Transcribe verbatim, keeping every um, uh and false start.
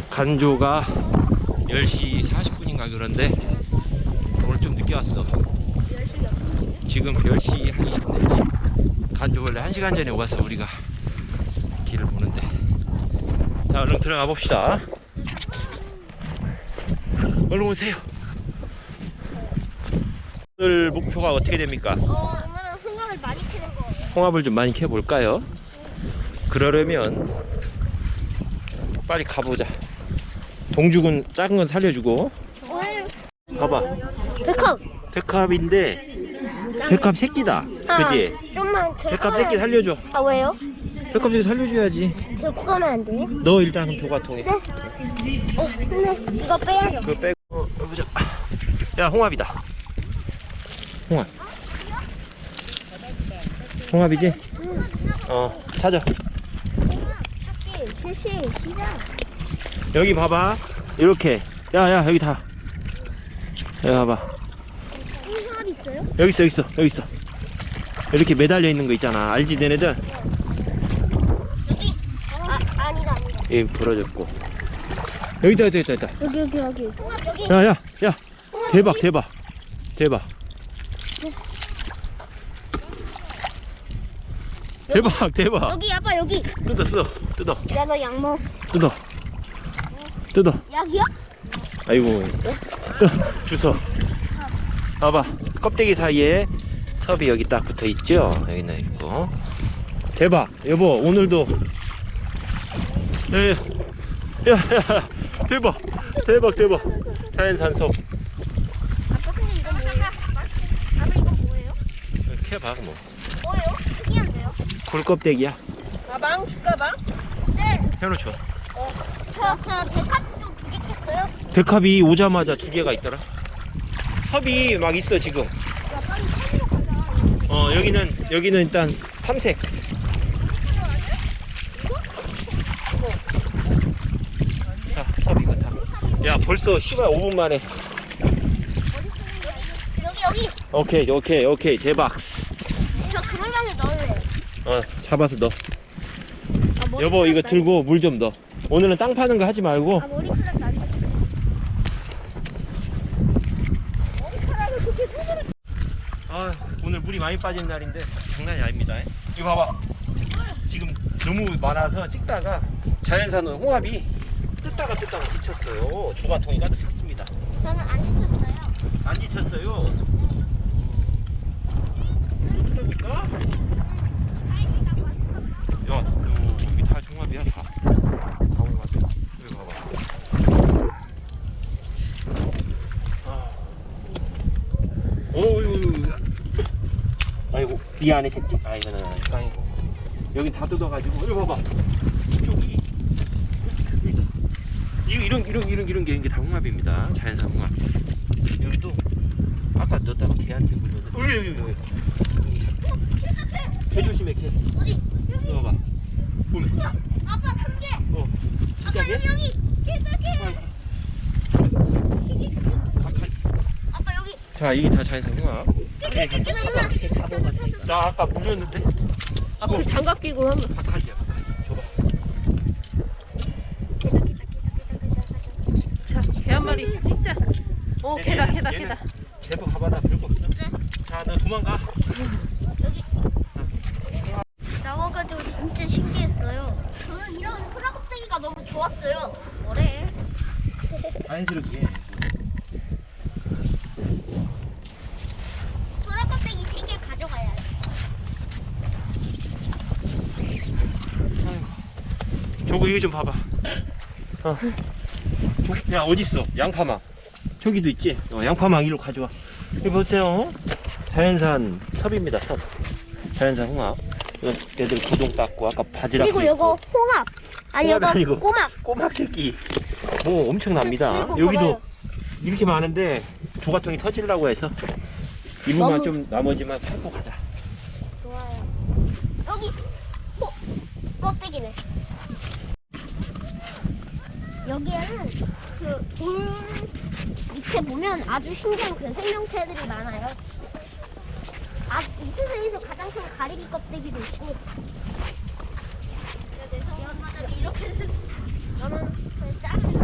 간조가 열 시 사십 분인가 그런데 오늘 좀 늦게 왔어. 지금 열 시 한 이십 분 됐지. 간조 원래 한 시간 전에 와서 우리가 길을 보는데. 자, 얼른 들어가 봅시다. 얼른 오세요. 오늘 목표가 어떻게 됩니까? 어, 오늘은 홍합을 많이 캐는 거예요. 홍합을 좀 많이 캐볼까요? 그러려면 빨리 가보자. 동죽은 작은 건 살려주고. 봐봐, 백합. 백합인데 백합 새끼다. 그지? 좀만 더. 백합 새끼 살려줘. 아, 왜요? 백합 새끼 살려줘야지. 들고 가면 안 돼요? 너 일단 그럼 조가통에. 네. 어, 근데 이거 빼야죠. 그거 빼고. 어, 보자. 야, 홍합이다. 홍합. 홍합이지? 어, 찾아. 찾기, 실시, 시작. 여기 봐봐. 이렇게. 야, 야, 여기 다. 여기 봐봐. 홍합 있어요? 여기 있어, 여기 있어, 여기 있어. 이렇게 매달려 있는 거 있잖아. 알지, 너네들? 여기. 아, 아니다, 아니다. 예, 부러졌고. 여기다, 여기다, 여기다, 여기다. 여기, 여기, 여기. 홍합 여기. 야, 야, 야. 대박, 대박. 대박. 대박, 대박. 여기, 아빠, 여기. 뜯어, 뜯어, 뜯어, 야, 너 양모. 뜯어. 뜯어. 약이야? 아이고. 뜯어. 주워. 봐봐. 껍데기 사이에 섭이 여기 딱 붙어 있죠? 여기는 있고. 대박. 여보, 오늘도. 야, 야, 야, 야. 대박. 대박, 대박. 자연산 섭. 아빠, 근데 이거 뭐예요? 아빠, 이거 뭐예요? 캐봐, 뭐. 뭐예요? 특이한데요? 굴껍데기야. 가방? 숟가방? 네. 해놓죠. 저, 그, 백합도 두 개 캤어요? 백합이 오자마자 두 개가 있더라. 섭이 막 있어, 지금. 야, 빨리 찾으러 가자. 어, 여기는, 여기는 일단 탐색. 자, 섭 이거 다. 야, 벌써 씨발 오 분 만에. 여기, 여기. 오케이, 오케이, 오케이. 대박. 저 그물망에 넣을래요. 어, 잡아서 넣어. 아, 머리 여보, 이거 풀었다. 들고 물 좀 넣어. 오늘은 땅 파는 거 하지 말고. 아, 머리카락 나지. 머리카락을 그렇게 손으로. 아, 오늘 물이 많이 빠진 날인데 장난이 아닙니다. 이거 봐봐. 지금 너무 많아서 찍다가 자연산 홍합이 뜯다가 뜯다가 지쳤어요. 조가통이 가득 찼습니다. 저는 안 지쳤어요. 안 지쳤어요. 또 뜯어볼까? 야, 요, 여기 다 홍합이야, 다. 다 홍합이야. 여기 봐봐. 아. 어유. 아이고, 이 안에 새끼. 아, 이거는 땅이고. 여긴 다 뜯어가지고. 여기 봐봐. 여기. 여기다. 이거 이런 이런 이런 이런 게 이게 다 홍합입니다. 자연산 홍합. 여기도 아까 넣었다가 개한테 물렸는데. 여기 여기 여기. 개 조심해, 개. 어디? 여기. 이거 봐봐. 보면. 야, 아빠 큰 개. 어. 진짜 아빠 개? 여기 여기. 개 개. 가까이. 아빠 여기. 자, 이게 다 자연산 홍합. 개 개. 개 누나. 잡아가지고. 나 아까 물렸는데. 아, 그럼 장갑 끼고 하면. 바카지야, 바카지. 줘봐. 자, 개 한 마리 진짜. 어, 얘, 개다, 얘는- 개다, 얘는 개다. 제법 가봐다 별거 없어. 자, 너 도망가. 여기. 나와가지고 진짜 신기했어요. 저는 이런 호라껍데기가 너무 좋았어요. 뭐래? 자연스럽게. 호라껍데기 세 개 가져가야 해. 아이고. 저거 이거 좀 봐봐. 어. 야, 어딨어? 양파망. 저기도 있지? 어, 양파망 이리로 가져와. 여기 보세요. 자연산 섭입니다, 섭. 자연산 홍합. 이거 애들 고동 닦고 아까 바지락. 그리고 요거 홍합. 아니 홍합이 요거 아니고. 꼬막. 꼬막 새끼. 오, 엄청납니다. 그리고 여기도 봐봐요. 이렇게 많은데 조가통이 터지려고 해서 이분만 너무- 좀 나머지만 찾고 가자. 좋아요. 여기 호 껍데기네. 여기에는 그 돌 밑에 보면 아주 신기한 그 생명체들이 많아요. 아, 이 세상에서 가장 큰 가리비 껍데기도 있고. 내 성마다 이렇게 됐어. 너는 그 작은